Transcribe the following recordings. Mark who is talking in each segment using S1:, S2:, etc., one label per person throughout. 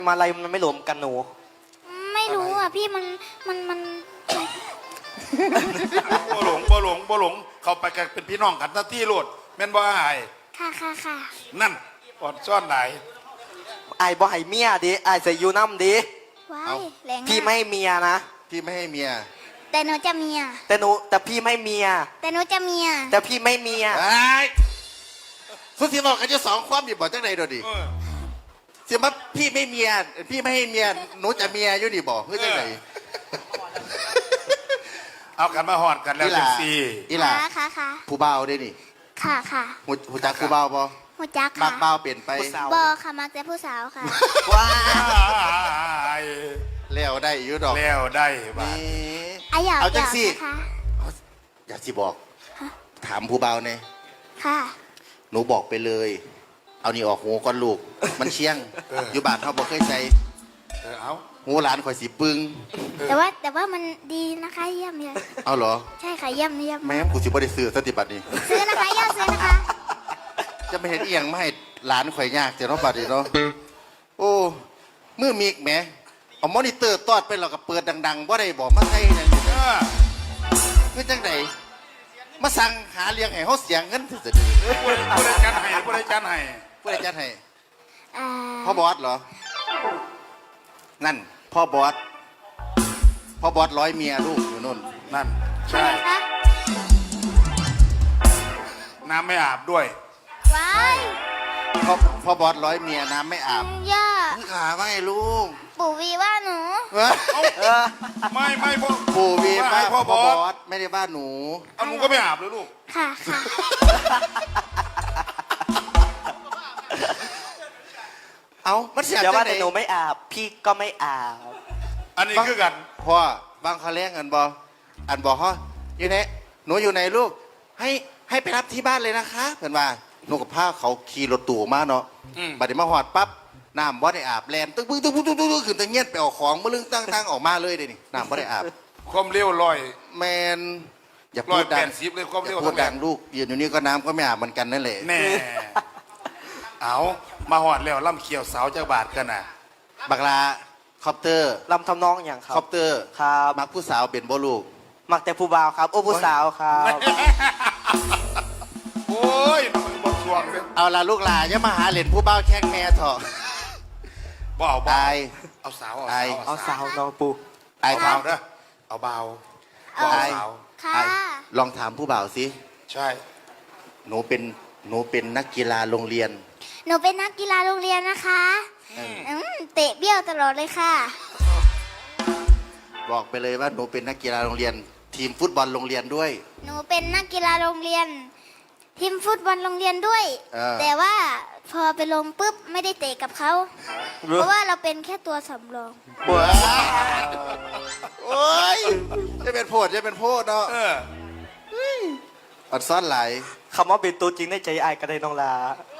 S1: มาอะไรมันไม่รวมกันหนู
S2: ไม่รู้อ่ะพี่มัน
S3: บ่หลงเขาไปกันเป็นพี่น้องกันทันที่โลดแม่นบ่อาย
S2: ค่ะ
S3: นั่นอดซ่อนไหน
S1: ไอ้บ่ให้เมียดิไอ้ใส่ยูน้ำดิ
S2: ว้ายแรง
S1: พี่ไม่ให้เมียนะ
S4: พี่ไม่ให้เมีย
S2: แต่หนูจะเมีย
S1: แต่พี่ไม่เมีย
S2: แต่หนูจะเมีย
S1: แต่พี่ไม่เมีย
S4: ไอ้สุดที่บอกกันจะสองความอยู่บ่จังไหนโดดิเสียมาพี่ไม่เมียพี่ไม่ให้เมียหนูจะเมียอยู่ดิบอกเพื่อจังไหน
S3: เอากันมาหอดกันแล้วจังซี่
S4: อีหล่า
S2: ค่ะ
S4: ผู้บ่าวได้นี่
S2: ค่ะ
S4: หูจักผู้บ่าวบ่
S2: หูจักค่ะ
S4: มักบ่าวเปลี่ยนไป
S2: บอค่ะมักแต่ผู้สาวค่ะ
S1: ว้า
S4: แล้วได้อยู่ดอก
S3: แล้วได้บ้า
S4: เอาจังซี่อยากสิบอกถามผู้บ่าวเนี่ย
S2: ค่ะ
S4: หนูบอกไปเลยเอานี่ออกหูก่อนลูกมันเชี่ยงอยู่บ้านเขาบอกเคยใส่
S3: เอา
S4: หูหลานข่อยสีปึ้ง
S2: แต่ว่ามันดีนะคะเยี่ยมเลย
S4: เอาเหรอ
S2: ใช่ค่ะเยี่ยม
S4: แม่กูสิบ่ได้ซื้อสติบัตินี่
S2: ซื้อนะคะย่าซื้อนะคะ
S4: จะไม่เห็นเอียงไม่ให้หลานข่อยยากเจ้าน้องบัดนี่เนาะโอ้มือมีกแหมเอามอนิเตอร์ตอดไปเราก็เปิดดังๆว่าได้บอกมาใส่เนี่ยคือจังไหนมาสั่งหาเลี้ยงให้เขาเสียงเงินสุด
S3: ๆผู้ใดจัดให้
S4: พ่อบอสเหรอนั่นพ่อบอสร้อยเมียลูกอยู่นู่น
S3: นั่นใช่น้ำไม่อาบด้วย
S2: ว้าย
S4: พ่อบอสร้อยเมียน้ำไม่อาบ
S2: ย่า
S4: ขาว่าไงลูก
S2: ปู่วีว่าหนู
S3: ไม่พ่อ
S4: ปู่วีว่าพ่อบอสไม่ได้ว่าหนู
S3: เอาหนูก็ไม่อาบเลยลูก
S2: ค่ะ
S4: เอามันเสีย
S1: เดี๋ยวว่าแต่หนูไม่อาบพี่ก็ไม่อาบ
S3: อันนี้คือกัน
S4: พ่อบางเขาเลี้ยงกันบอกฮะอยู่ไหนหนูอยู่ไหนลูกให้ไปรับที่บ้านเลยนะคะเพื่อนว่าหนูกับผ้าเขาขี่รถตู่มาเนาะบัดนี้มาหอดปั๊บน้ำบ่ได้อาบแลนตึ้งขึ้นตะเงียบไปเอาของมาลึงตั้งออกมาเลยเดี๋ยวนี้น้ำบ่ได้อาบ
S3: ความเร็วลอย
S4: แมนอย่าพูดดัง
S3: เลยความเร็ว
S4: พูดดังลูกยืนอยู่นี่ก็น้ำก็ไม่อาบเหมือนกันนั่นแหละ
S3: แน่เอามาหอดแล้วล่ำเขียวสาวจากบาทกันน่ะ
S4: บักลาคอปเตอร์
S1: ลำทำนองอย่างครับ
S4: คอปเตอร์
S1: ครับ
S4: มักผู้สาวเป็นบ่ลูก
S1: มักแต่ผู้บ่าวครับโอ้ผู้สาวครับ
S3: โอ้ยบทสวงเลย
S4: เอาละลูกหลานอย่ามาหาเหรียญผู้บ่าวแข้งแม่เถอะ
S3: บ่าวเอาสาว
S1: น้องปู
S3: ไอ้เบาเด้อเอาเบา
S2: ค่ะ
S4: ลองถามผู้บ่าวสิ
S3: ใช่
S4: หนูเป็นนักกีฬาโรงเรียน
S2: หนูเป็นนักกีฬาโรงเรียนนะคะเตะเบี้ยวตลอดเลยค่ะ
S4: บอกไปเลยว่าหนูเป็นนักกีฬาโรงเรียนทีมฟุตบอลโรงเรียนด้วย
S2: หนูเป็นนักกีฬาโรงเรียนทีมฟุตบอลโรงเรียนด้วยแต่ว่าพอไปลงปุ๊บไม่ได้เตะกับเขาเพราะว่าเราเป็นแค่ตัวสำรอง
S4: โอ้ยจะเป็นโพดเนาะอัดซ้อนไหล
S1: คำว่าเป็นตัวจริงในใจไอ้กระไดน้องลา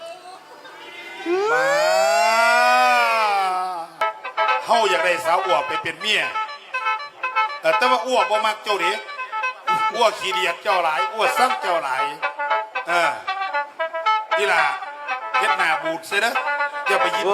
S3: เฮาอยากได้สาวอ้วกไปเป็นเมียแต่ว่าอ้วกบ่มักเจ้าดิอ้วกขี้เดียดเจ้าหลายอ้วกซ้ำเจ้าหลายนี่ล่ะเฮ็ดหน้าบูดเสียนะอย่าไปยิ้ม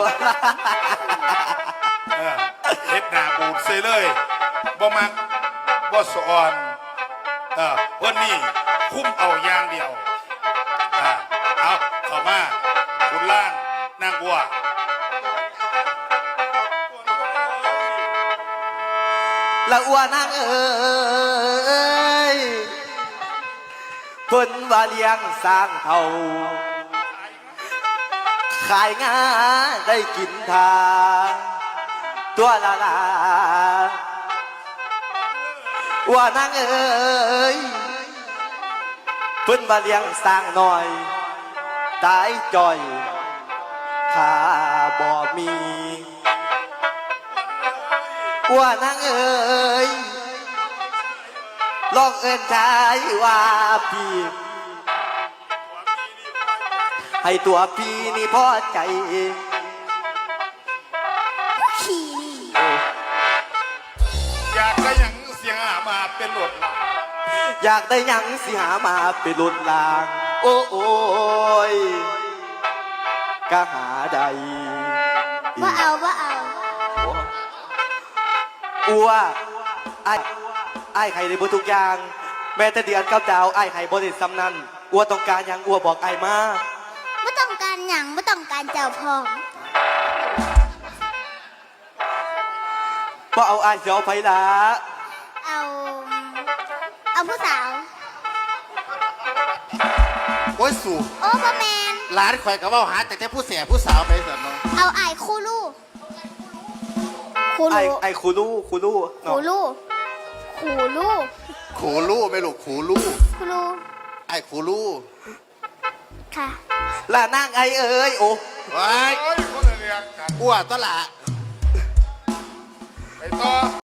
S3: เฮ็ดหน้าบูดเสียเลยบ่มักบ่สอนเพิ่นนี่คุ้มเอาอย่างเดียวเอาเข้ามาคุณล่างนางบัว
S1: ละอ้วนางเอ๋ยเพิ่นว่าเลี้ยงสร้างเท่าขายงาได้กินทาตัวละอ้วนางเอ๋ยเพิ่นว่าเลี้ยงสร้างหน่อยตายจ่อยข้าบ่มีว่านางเอ๋ยลองเอิ้นชายว่าพี่ให้ตัวพี่นี่พอใจ
S3: อยากได้ยังเสียงหามาเป็นหลด
S1: อยากได้ยังสิหามาเป็นหลดลางโอ้ยก็หาได้
S2: ว่าเอา
S1: อัวไอ้ไข่ในบทุกอย่าง แม้แต่เดือนกับดาวไอ้ไข่บริซ้ำนั้นอัวต้องการหยังอัวบอกไอ้มา
S2: ไม่ต้องการหยังไม่ต้องการเจ้าพร้อม
S1: เพราะเอาไอ้เสียวไฟละ
S2: เอาผู้สาว
S4: โอ้ยสู่
S2: โอ้พ่อแมน
S4: ร้านข่อยก็เว่าหาแต่ผู้เสียผู้สาวไปเสร็จเนาะ
S2: เอาไอ้คูลูคู
S1: ไอ้
S2: ลู
S1: ไอ้คูลู่คูลู่
S2: คูลูคูลู
S4: ขูลู่ไม่ลูกขูลู่
S2: คูลู
S4: ไอ้ขูลู่
S2: ค่ะ
S1: ล่ะนั่งไอ้เอ้ยโอ้
S4: ไว้
S3: โอ้ยคนละเรื่องกัน
S4: อ้วตวละ
S3: ไปต่อ